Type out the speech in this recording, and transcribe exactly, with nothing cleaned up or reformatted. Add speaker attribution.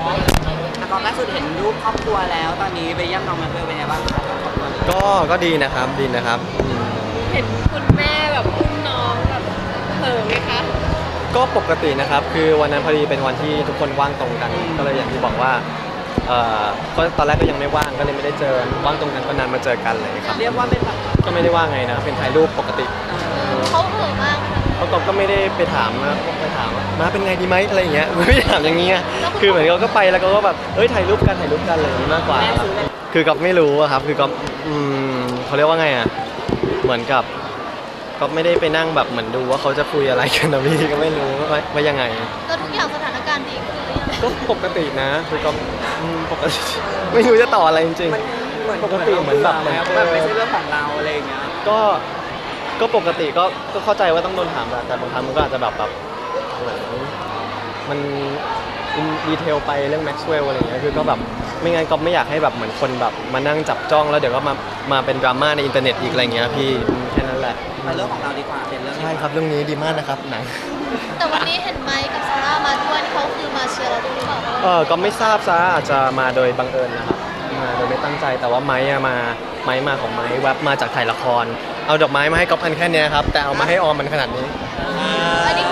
Speaker 1: แต่ตอนล่าสุดเห็นรูปครอบครัวแล้วตอนนี้ไปเยี่ยมน้องแมทเวลเป็นไงบ้างคะครอบครัว
Speaker 2: ก็ก็ดีนะครับดีนะครับอืม
Speaker 3: เห็นคุณแม่แบบอุ้มน้องแบบเผลอไหมคะ
Speaker 2: ก็ปกตินะครับ คือวันนั้นพอดีเป็นวันที่ทุกคนว่างตรงกัน ก็เลยอย่างที่บอกว่าเอ่อก็ตอนแรกก็ยังไม่ว่างก็เลยไม่ได้เจอว่างตรงกันก็นานมาเจอกันเลยครับ
Speaker 1: เรียกว่าเป็นแบบ
Speaker 2: ก็ไม่ได้ว่าไงนะเป็นถ่ายรูปปกติ
Speaker 3: เขาเผลอมากไหมคะ
Speaker 2: เขาก็ก็ไม่ได้ไปถามนะไปถามว่ามาเป็นไงดีไหมอะไรอย่างเงี้ยไม่ได้ถามอย่างเงี้ยคือเหมือนเขาก็ไปแล้วเขาก็แบบเอ้ยถ่ายรูปกันถ่ายรูปกันอะไรอย่างงี้มากกว่า
Speaker 1: แม่ซื้อเลย
Speaker 2: คือก็ไม่รู้อะครับคือก็อืมเขาเรียกว่าไงอะเหมือนกับก็ไม่ได้ไปนั่งแบบเหมือนดูว่าเขาจะคุยอะไรกันนะพี่ก็ไม่รู้ว่าว่ายังไง
Speaker 3: แล้วทุกอย่างสถานการณ์ดีขึ้นหรือยัง
Speaker 2: ก็ปกตินะคือก็อืมปกติไม่รู้จะต่ออะไรจริง
Speaker 1: มันเหมือน
Speaker 2: ปกติเหมือนแบบเหมือน
Speaker 1: แบบไม่ใช่เรื่องของเราอะไรอย่างเงี้ย
Speaker 2: ๆก็ก็ปกติก็ก็เข้าใจว่าต้องโดนถามแหละแต่บางครั้งมันก็อาจจะแบบแบบเหมือนมันดีเทลไปเรื่องแม็กซ์เวลล์อะไรอย่างเงี้ยคือก็แบบไม่งั้นก็ไม่อยากให้แบบเหมือนคนแบบมานั่งจับจ้องแล้วเดี๋ยวก็มามาเป็นดราม่าในอินเทอร์เน็ตอีกอะไรเงี้ยพี่อืมแค่นั้นแหละ
Speaker 1: มาเรื่องของเราดีกว่าเป็นเรื่อง
Speaker 2: ใช่ครับเรื่องนี้ดีมากนะครับหนัง
Speaker 3: แต่วันนี้เห็นไมค์กับซาร่ามาด้วยนี่เขาคือมาเชียร์เราด้วยหรือเปล่า
Speaker 2: เออก็ไม่ทราบซะอาจจะมาโดยบังเอิญนะครับมาโดยไม่ตั้งใจแต่ว่าไม้อะมาไม้มาของไม้แวบมาจากถ่ายละคร เอาดอกไม้มาให้ก๊อฟอันแค่เนี้ยครับแต่เอามาให้ออมมันขนาดนี้
Speaker 3: อันนี้